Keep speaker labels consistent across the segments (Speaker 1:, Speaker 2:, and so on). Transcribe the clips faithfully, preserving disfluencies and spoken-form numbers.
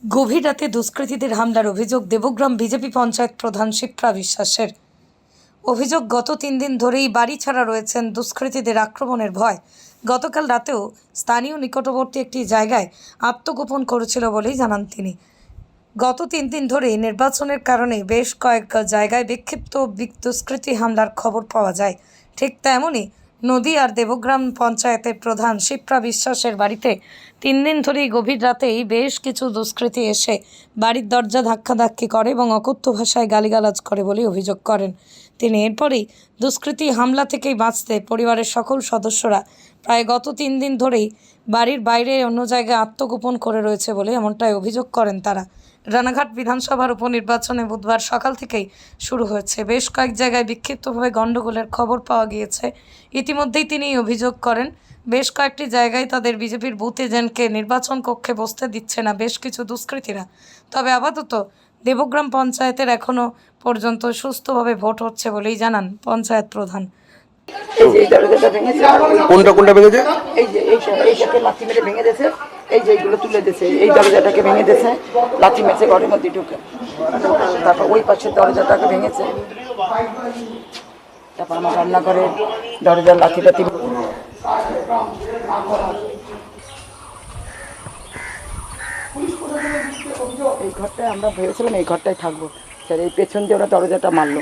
Speaker 1: গভীর রাতে দুষ্কৃতীদের হামলার অভিযোগ দেবগ্রাম বিজেপি পঞ্চায়েত প্রধান শিপ্রা বিশ্বাসের। অভিযোগ, গত তিন দিন ধরেই বাড়ি ছাড়া রয়েছেন দুষ্কৃতীদের আক্রমণের ভয়। গতকাল রাতেও স্থানীয় নিকটবর্তী একটি জায়গায় আত্মগোপন করেছিল বলেই জানান তিনি। গত তিন দিন ধরেই নির্বাচনের কারণে বেশ কয়েক জায়গায় বিক্ষিপ্ত দুষ্কৃতী হামলার খবর পাওয়া যায়। ঠিক তেমনই নদীয়ার দেবগ্রাম পঞ্চায়েতের প্রধান শিপ্রা বিশ্বাসের বাড়িতে তিন দিন ধরেই গভীর রাতেই বেশ কিছু দুষ্কৃতী এসে বাড়ির দরজা ধাক্কাধাক্কি করে এবং অকথ্য ভাষায় গালিগালাজ করে বলে অভিযোগ করেন তিনি। এরপরেই দুষ্কৃতী হামলা থেকেই বাঁচতে পরিবারের সকল সদস্যরা প্রায় গত তিন দিন ধরেই বাড়ির বাইরে অন্য জায়গায় আত্মগোপন করে রয়েছে বলে এমনটাই অভিযোগ করেন তারা। রানাঘাট বিধানসভার উপনির্বাচনে বুধবার সকাল থেকেই শুরু হয়েছে। বেশ কয়েক জায়গায় বিক্ষিপ্তভাবে গণ্ডগোলের খবর পাওয়া গিয়েছে। ইতিমধ্যেই তিনি অভিযোগ করেন, বেশ কয়েকটি জায়গায় তাদের বিজেপির বুথ এজেন্টকে নির্বাচন কক্ষে বসতে দিচ্ছে না বেশ কিছু দুষ্কৃতীরা। তবে আপাতত দেবগ্রাম পঞ্চায়েতের এখনও পর্যন্ত সুস্থভাবে ভোট হচ্ছে বলেই জানান পঞ্চায়েত প্রধান।
Speaker 2: এই যে এই দরজাটা ভেঙেছে,
Speaker 3: কোনটা কোনটা ভেঙেছে?
Speaker 2: এই যে এইটা এইটাকে লাথি মেরে ভেঙে দিয়েছে, এই যে এইগুলো তুলে দিয়েছে, এই দরজাটাকে ভেঙে দিয়েছে, লাথি মেরেছে ঘরের মধ্যে ঢুকে। তারপর ওই পাশের দরজাটাকে ভেঙেছে, তারপর আমার রান্নাঘরে দরজার লাথি টাথি। এই ঘরটায় আমরা ভেবেছিলাম এই ঘরটায় থাকবো, স্যার এই পেছন দিয়ে ওরা দরজাটা মারলো,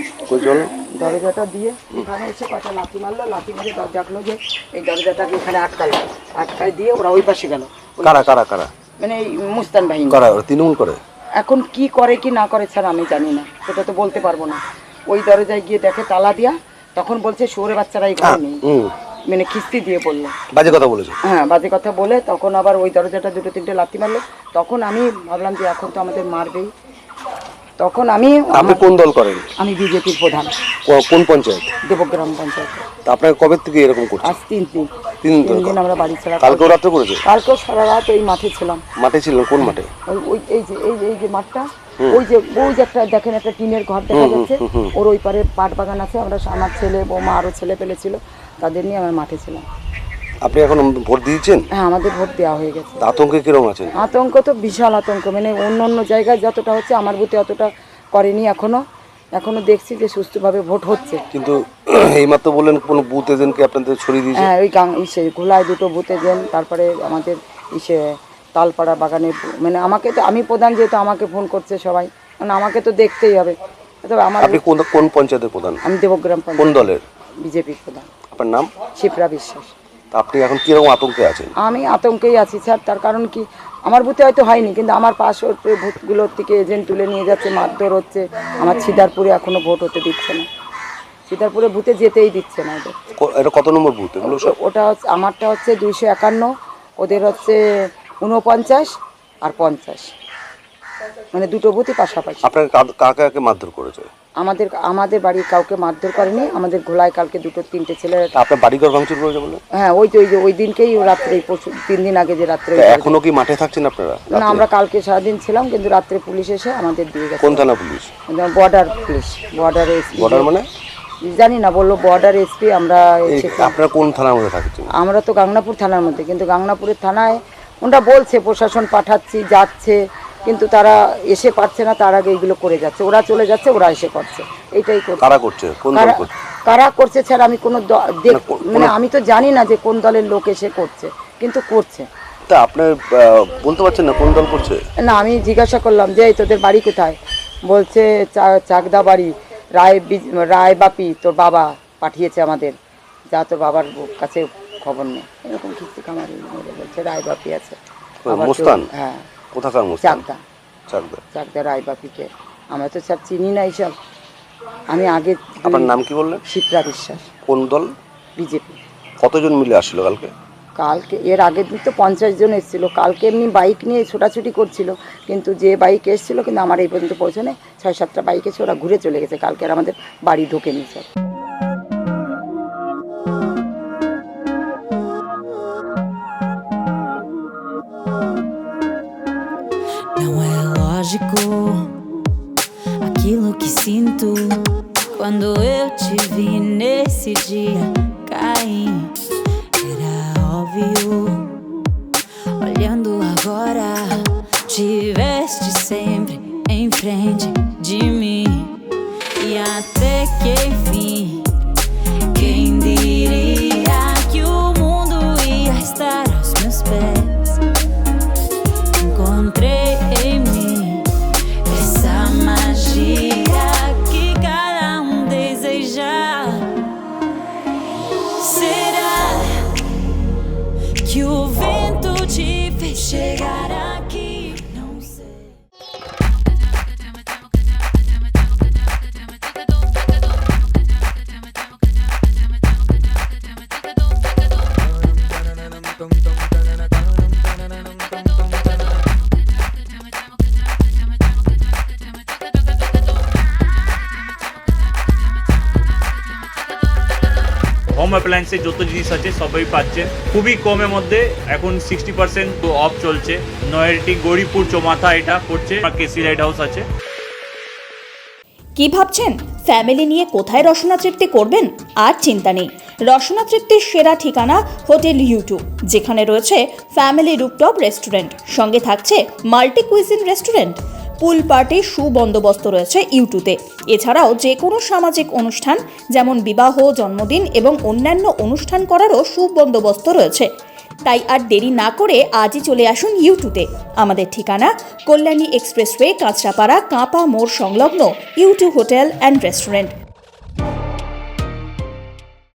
Speaker 2: দরজাটা দিয়ে এখানে এসে কটা লাথি মারলো, লাথি মেরে দেখলো যে এই দরজাটাকে এখানে আটকালো, আটকায় দিয়ে ওরা ওই পাশে গেল।
Speaker 3: কারা কারা কারা
Speaker 2: মানে এই মুস্তান বাহিনী
Speaker 3: কারা? তৃণমূল করে?
Speaker 2: এখন কি করে কি না করে স্যার আমি জানি না, সেটা তো বলতে পারবো না। ওই দরজায় গিয়ে দেখে তালা দিয়া, তখন বলছে শুয়োরের বাচ্চারা এই ঘরে নেই, মানে খিস্তি দিয়ে বললো,
Speaker 3: বাজে কথা বলেছে।
Speaker 2: হ্যাঁ বাজে কথা বলে তখন আবার ওই দরজাটা দুটো তিনটে লাথি মারলো। তখন আমি ভাবলাম যে এখন তো আমাদের মারবেই। তখন আমি
Speaker 3: আপনি কোন দল করেন?
Speaker 2: আমি বিজেপির প্রধান।
Speaker 3: কোন পঞ্চায়েত?
Speaker 2: দেবগ্রাম পঞ্চায়েত।
Speaker 3: আপনার কবে থেকে এরকম করছে?
Speaker 2: আজ তিন দিন
Speaker 3: তিন
Speaker 2: তিন দিন আমরা বাড়ি ছাড়া।
Speaker 3: কালকেও রাত্রে করেছে?
Speaker 2: কালকেও সারা রাত ওই মাঠে ছিলাম।
Speaker 3: মাঠে ছিলেন? কোন মাঠে?
Speaker 2: ওই ওই এই যে এই এই যে মাঠটা, ওই যে ওই যে একটা দেখেন একটা টিনের ঘর দেখা যাচ্ছে, ওর ওই পারে পাট বাগান আছে। আমরা আমার ছেলে বৌমা আরও ছেলে পেলে ছিল, তাদের নিয়ে আমরা মাঠে ছিলাম।
Speaker 3: আপনি এখন ভোট দিয়েছেন?
Speaker 2: হ্যাঁ আমাদের ভোট দেওয়া হয়ে গেছে।
Speaker 3: আতঙ্কে কিরকম আছেন?
Speaker 2: আতঙ্ক তো বিশাল আতঙ্ক, মানে অন্য অন্য জায়গায় যতটা হচ্ছে আমার বুথে অতটা করেনি এখনো। এখনো দেখছি যে সুষ্ঠুভাবে ভোট হচ্ছে।
Speaker 3: কিন্তু এইমাত্র বললেন কোনো বুথ এজেন্টকে আপনাদের ছড়িয়ে দিয়েছে?
Speaker 2: হ্যাঁ ওই গাং ইসে ঘোলায় দুটো বুথ এজেন্ট, তারপরে আমাদের ইসে তালপাড়া বাগানে, মানে আমাকে তো আমি প্রধান যেহেতু আমাকে ফোন করছে সবাই, মানে আমাকে তো দেখতেই হবে। তবে আমার
Speaker 3: আপনি কোন কোন পঞ্চায়েতের প্রধান?
Speaker 2: আমি দেবগ্রাম পঞ্চায়েত।
Speaker 3: কোন দলের?
Speaker 2: বিজেপির প্রধান।
Speaker 3: আপনার নাম?
Speaker 2: শিপ্রা বিশ্বাস।
Speaker 3: আপনি এখন কিরকম আতঙ্কে আছেন?
Speaker 2: আমি আতঙ্কেই আছি স্যার, তার কারণ কি আমার বুথে হয়তো হয়নি, কিন্তু আমার পাশের বুথগুলোর থেকে এজেন্ট তুলে নিয়ে যাচ্ছে, মারধর হচ্ছে। আমার ছিদারপুরে এখনো ভোট হতে দিচ্ছে না, ছিদারপুরে বুথে যেতেই দিচ্ছে না ওদের।
Speaker 3: এটা কত নম্বর বুথ এগুলো সব?
Speaker 2: ওটা হচ্ছে আমারটা হচ্ছে দুইশো একান্ন, ওদের হচ্ছে উনপঞ্চাশ আর পঞ্চাশ, মানে দুটো বুথই পাশাপাশি।
Speaker 3: আপনার কাকে কাকে মারধর করেছে?
Speaker 2: আমাদের আমাদের বাড়ির কাউকে মারধর করেনি, আমাদের ঘোলায় কালকে দুটো তিনটে ছেলে।
Speaker 3: আপনার বাড়িঘর ভাঙচুর করেছে বলে?
Speaker 2: হ্যাঁ ওই যে ওই যে ওই দিনকেই রাত্রে, পরশু তিন দিন আগে যে রাত্রে।
Speaker 3: এখনো কি মাঠে থাকছেন আপনারা?
Speaker 2: না আমরা কালকে সারাদিন ছিলাম, কিন্তু রাত্রে পুলিশ এসে আমাদের দিয়ে গেছে।
Speaker 3: কোন থানা police?
Speaker 2: Border police. Border SP.
Speaker 3: Border মানে?
Speaker 2: জানি না, বললো বর্ডার এসপি। আমরা
Speaker 3: আপনারা কোন থানার মধ্যে থাকছেন?
Speaker 2: আমরা তো গাংনাপুর থানার মধ্যে, কিন্তু গাংনাপুরের থানায় ওনারা বলছে প্রশাসন পাঠাচ্ছি যাচ্ছে, কিন্তু তারা এসে পারছে না, তার আগে এইগুলো করে যাচ্ছে। ওরা চলে যাচ্ছে, ওরা এসে করছে, এইটাই করছে।
Speaker 3: কারা করছে? কোন দল করছে?
Speaker 2: কারা করছে স্যার আমি কোনো মানে আমি তো জানি না যে কোন দলের লোক এসে করছে, কিন্তু করছে।
Speaker 3: তা আপনি বলতে পারছেন না কোন দল করছে?
Speaker 2: না আমি জিজ্ঞাসা করলাম যে এই তোদের বাড়ি কোথায়, বলছে চাকদা বাড়ি, রায় রায় বাপি তোর বাবা পাঠিয়েছে আমাদের, যা তোর বাবার কাছে খবর নেই, এরকম খিস্তি খামারি বলছে। রায় বাপি আছে।
Speaker 3: মুস্তান?
Speaker 2: হ্যাঁ।
Speaker 3: কোথাকার মুস্তান?
Speaker 2: চাকদা।
Speaker 3: চাকদা।
Speaker 2: চাকদা রায় বাপিকে আমরা তো স্যার চিনি না এইসব। আমি আগে।
Speaker 3: আপনার নাম কি বললেন?
Speaker 2: শিপ্রা বিশ্বাস।
Speaker 3: কোন দল?
Speaker 2: বিজেপি।
Speaker 3: কতজন মিলে আসছিল কালকে?
Speaker 2: কালকে এর আগের দিন তো পঞ্চাশ জন এসেছিলো। কালকে এমনি বাইক নিয়ে ছোটাছুটি করছিল, কিন্তু যে বাইক এসেছিলো কিন্তু আমার এই পর্যন্ত পৌঁছানে ছয় সাতটা বাইক এসে ওরা ঘুরে চলে গেছে। কালকে আর আমাদের বাড়ি ঢোকেনি sir.
Speaker 4: Não é lógico aquilo que sinto quando eu te vi nesse dia cair. Era óbvio, olhando agora tiveste sempre em frente de mim. E até que enfim, quem diria que o mundo ia estar aos meus pés? Encontrei em mim essa magia que cada um deseja. Será que o vento te fez chegar aqui? Não sei.
Speaker 5: Home অ্যাপ্লায়েন্সের যত জিনিস আছে সবই পাচ্ছেন খুবই কমের মধ্যে। এখন সিক্সটি পার্সেন্ট অফ চলছে। নয়ারটি গৌরীপুর চৌমাথা এটা পড়ছে, কেসি লাইট হাউস আছে।
Speaker 6: কি ভাবছেন ফ্যামিলি নিয়ে কোথায় রসনা তৃপ্তি করবেন? আর চিন্তা নেই, রসনা তৃপ্তির সেরা ঠিকানা হোটেল ইউটিউব, যেখানে রয়েছে ফ্যামিলি রুপটপ রেস্টুরেন্ট, সঙ্গে থাকছে মাল্টি কুইজিন রেস্টুরেন্ট। পুল পার্টির সুবন্দোবস্ত রয়েছে ইউটিউবে। এছাড়াও যে কোনো সামাজিক অনুষ্ঠান যেমন বিবাহ, জন্মদিন এবং অন্যান্য অনুষ্ঠান করারও সুবন্দোবস্ত রয়েছে। তাই আর দেরি না করে আজই চলে আসুন ইউটিউবে। আমাদের ঠিকানা কল্যাণী এক্সপ্রেসওয়ে, কাঁচরাপাড়া, কাঁপা মোড় সংলগ্ন ইউটিউব হোটেল অ্যান্ড রেস্টুরেন্ট।